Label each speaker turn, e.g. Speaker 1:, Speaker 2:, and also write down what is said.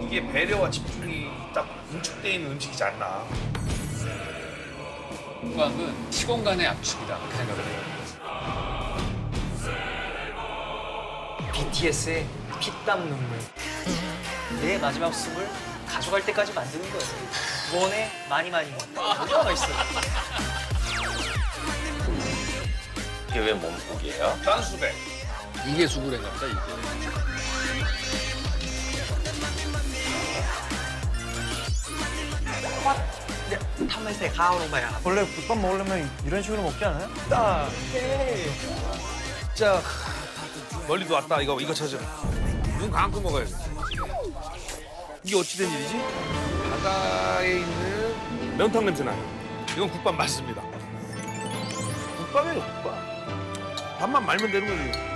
Speaker 1: 이게 배려와 집중이 딱 응축돼 있는 음식이지 않나.
Speaker 2: 국밥은 시공간의 압축이다 그렇게 생각을 해요.
Speaker 3: BTS의 피땀 눈물. 내 마지막 숨을 가져갈 때까지 만드는 거예요. 원에 많이 얼마나 맛있어요.
Speaker 4: 이게 왜 몸국이에요?
Speaker 1: 짠수백.
Speaker 2: 이게 수구레인가 보다 이게.
Speaker 3: 탐에서 가오로마야.
Speaker 5: 원래 국밥 먹으려면 이런 식으로 먹지 않아요? 딱.
Speaker 1: 진짜 멀리도 왔다. 이거 찾으러. 눈 감고 먹어야 돼. 이게 어찌된 일이지? 바다에 있는 면탕 냄새 나요. 이건 국밥 맞습니다. 국밥이에요, 국밥. 밥만 말면 되는 거지.